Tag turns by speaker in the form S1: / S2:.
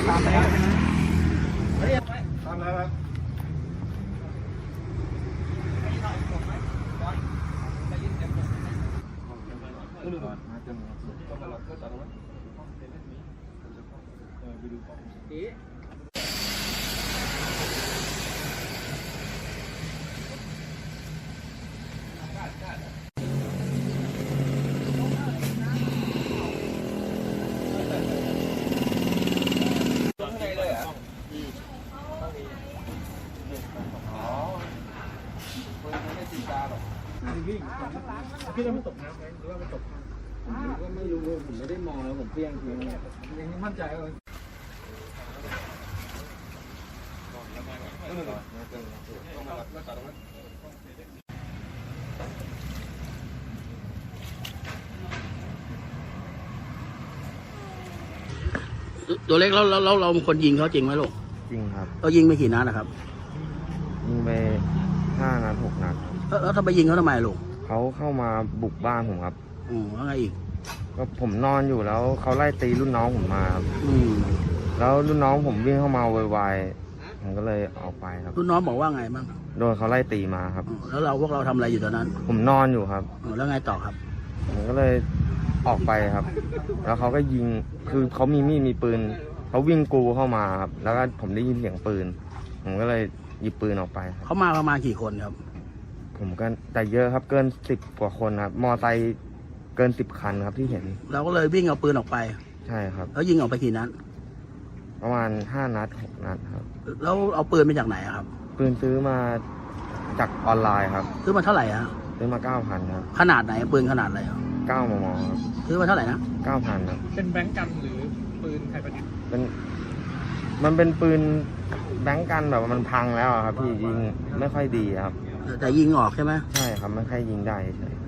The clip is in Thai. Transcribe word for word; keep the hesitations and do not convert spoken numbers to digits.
S1: ตามแล้วตามแล้วครับพี่เราไม่ตกน้ำไหมหรือว่าไม่ตกผมก็ไม่รู้ผมไม่ได้มองแล้วผมเพี้ยงทีนี้ยังมั่นใจเลย
S2: ตัวเล็กแล้วเราเราเป็นคนยิงเขาจริงไหมลูก
S3: จริงครับ
S2: เรายิงไปกี่นัดนะครับ
S3: ยิงไปห้านัดหกนัด
S2: แล้วแล้วทำไมยิงเขาทำไมลูก
S3: เขาเข้ามาบุกบ้านผมครับ
S2: อืมแล้วไงอีก
S3: ก็ผมนอนอยู่แล้วเขาไล่ตีรุ่นน้องผมมาครับ
S2: อืม
S3: แล้วรุ่นน้องผมวิ่งเข้ามาโวยวายผมก็เลยออกไปครับ
S2: รุ่นน้องบอกว่าไงบ้าง
S3: โดนเขาไล่ตีมาครับ
S2: อืมแล้วเราพวกเราทำอะไรอยู่ตอนนั้น
S3: ผมนอนอยู่ครับ
S2: อืมแล้วไงต่อครับ
S3: ผมก็เลยออกไปครับ แล้วเขาก็ยิงคือเขามีมีดมีปืนเขาวิ่งกรูเข้ามาครับแล้วก็ผมได้ยินเสียงปืนผมก็เลยหยิบปืนออกไปครับ
S2: เขามาประมาณกี่คนครับ
S3: ผมก็แต่เยอะครับเกินสิบกว่าคนครับมอไซค์เกินสิบคันครับที่เห็น
S2: เราก็เลยวิ่งเอาปืนออกไป
S3: ใช่ครับ
S2: แล้วยิงออกไปกี่นัด
S3: ประมาณห้านัดหกนัดครับ
S2: แล้วเอาปืนมาจากไหนอะครับ
S3: ปืนซื้อมาจากออนไลน์ครับ
S2: ซื้อมาเท่าไหร่อะ
S3: ซื้อมาเก้าพันครับ
S2: ขนาดไหนปืนขนาดอะไรอะ
S3: เก้ามมครับ
S2: ซื้อมาเท่าไหร่นะ
S3: เก้าพันครับ
S1: เป็นแบงก์กันหรือปืนไทยประดิษฐ์
S3: เป็นมันเป็นปืนแบงก์กันแบบว่ามันพังแล้วอะครับพี่ยิงไม่ค่อยดีครับ
S2: แต่ยิงออกใช่ไหม
S3: ใช่ครับไม่ค่อยยิงได้ใช่